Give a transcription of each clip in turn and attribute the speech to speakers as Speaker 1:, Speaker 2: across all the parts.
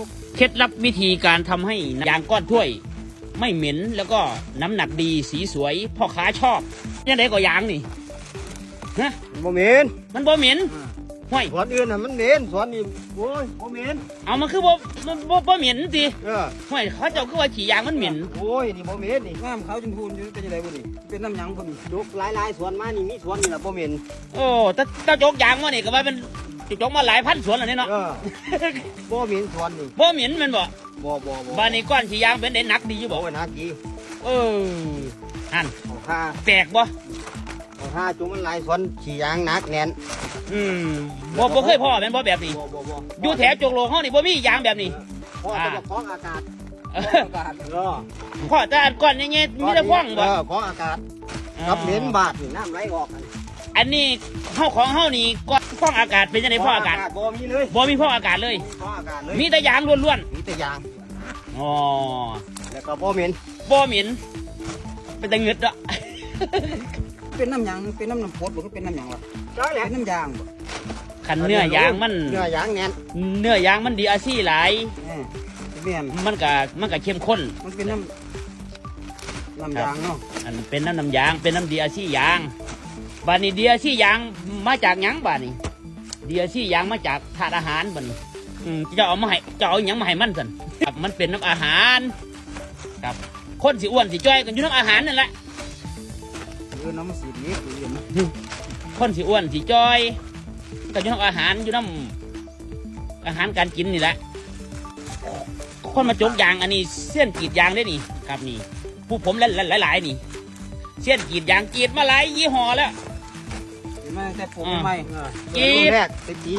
Speaker 1: เคล็ดลับวิธีการทำให้ยางก้อนถ้วยไม่เหม็นแล้วก็น้ำหนักดีสีสวยพ่อค้าชอบยังไงก็ยางนี่ฮะ
Speaker 2: บ่เหม็น
Speaker 1: มันบ่เหม็นห้วย
Speaker 2: สวนอื่นน่ะมันเหม็นสวนนี้โอ้ยบ่เหม็น
Speaker 1: เอามันคือบ่เหม็นสิ
Speaker 2: เออ
Speaker 1: ห้วยเขาเจ้าคือว่าขี่ยางมันเหม็น
Speaker 2: โอ้ยนี่บ่เหม็นนี่
Speaker 3: น้ำขาวชมพูนี่เป็นยังไงบุนี่เป็นน้ำหยังบุนี่
Speaker 2: ยกหลายๆสวนมานี่มีสวนนี่ล่ะบ่เหม็น
Speaker 1: โอ้ถ้าโจกยางมานี่ก็ว่าเป็นโจกมาหลายพันสวนแล้วนี่เนาะ
Speaker 2: เออบ่เหม็นสวนนี่
Speaker 1: บ่เหม็นแมันบ่
Speaker 2: บ่
Speaker 1: บ้านนี้ก้อนขี่ยางเป็นได้หนักดีอยู่บ่
Speaker 2: โอ้ยนักดี
Speaker 1: เอออัน
Speaker 2: เอาค่า
Speaker 1: แปลกบ่
Speaker 2: เอาค่าจุ่มมันหลายสวนขี้ยางหนักแน่น
Speaker 1: บ่เคยพ่อแม่นบ่แบบนี้
Speaker 2: บ่
Speaker 1: อยู่แถวโจกโลกเฮานี่บ่มียางแบบนี้
Speaker 2: พ่อจะบอกของอากาศ
Speaker 1: เออ
Speaker 3: อากาศ
Speaker 2: เออ
Speaker 1: พ่อแต่อันก้อนนี่มีแต่ฟ้องบ่
Speaker 2: เออของอากาศกับเหม็นบาดนี่น้ำไหลออกอัน
Speaker 1: อันนี้เฮาของเฮานี่ก้อนฟ้องอากาศเป็นจังได๋ฟ้องอากาศ
Speaker 2: บ่มีเลย
Speaker 1: บ่มีฟ้องอากาศเลย
Speaker 2: ของอากาศเลย
Speaker 1: มีแต่ยางล้วน
Speaker 2: มีแต่ยาง
Speaker 1: ๆอ๋อ
Speaker 2: แล้วก็บ่เหม็น
Speaker 1: บ่เหม็นเป็นตะเงึดอ่ะ
Speaker 3: เป็นน้ำหยังเป็นน้ำพดหรือเป็นน้ำหยังวะ
Speaker 2: ได้แหละ
Speaker 3: เป็นน้ำยางบ่
Speaker 1: คันเนื้อยางมัน
Speaker 2: เนื้อยางแน่น
Speaker 1: เนื้อยางมันดีอาซี่หลาย
Speaker 3: เมียน
Speaker 1: มันก็เข้มข้น
Speaker 3: มันเป็นน้ำยางเนาะ
Speaker 1: อันเป็นน้ำยางเป็นน้ำดีอาซี่ยางบานนี้ดีอาซี่ยางมาจากหยังบานนี้ดีอาซี่ยางมาจากถาดอาหารบานนี้จะเอามาให้จะเอาหยังมาให้มันสันครับมันเป็นน้ำอาหารครับคนสิอ้วนสิจ้อยกันอยู่น้ำอาหารนั่นแหละ
Speaker 3: น้ำมันสีดีคือเห็นไหม
Speaker 1: คนสิอ้วนสิจ้อยก็อยู่น้ำอาหารอยู่น้ำอาหารการกินนี่แหละคนมาจกยางอันนี้เส้นกรีดยางได้นี่ครับนี่ผู้ผมหลายๆนี่เส้นกรีดยางกรีดมาหลายยี่ห้อแล้ว
Speaker 3: เห็นไหมแต่ผมใหม่
Speaker 1: กรีด
Speaker 2: รุ่นแรกไปปี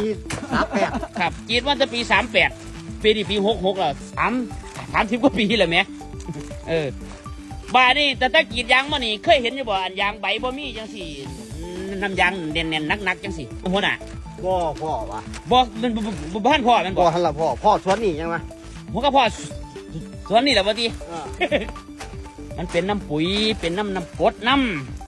Speaker 2: 38
Speaker 1: ครับกรีดว่าจะปี38ปีนี้ปี66แล้ว30กว่าปีแล้วแหม่บ้านนี่แต่กรีดยางมานี่เคยเห็นอยู่บ่อันยางใบบ่มีจังสี่น้ำยางเน่นๆนักๆจังสี่หัวหน้า
Speaker 2: บ่พ่อวะ
Speaker 1: บ่มันบ้านพ่อมัน
Speaker 2: บ่
Speaker 1: บ่
Speaker 2: หันละพ่อสวนนี่ยังวะ
Speaker 1: หัวก็พ่อสวนนี่แหละบ่ที
Speaker 2: เออ
Speaker 1: มันเป็นน้ำปุ๋ยเป็นน้ำกรดน้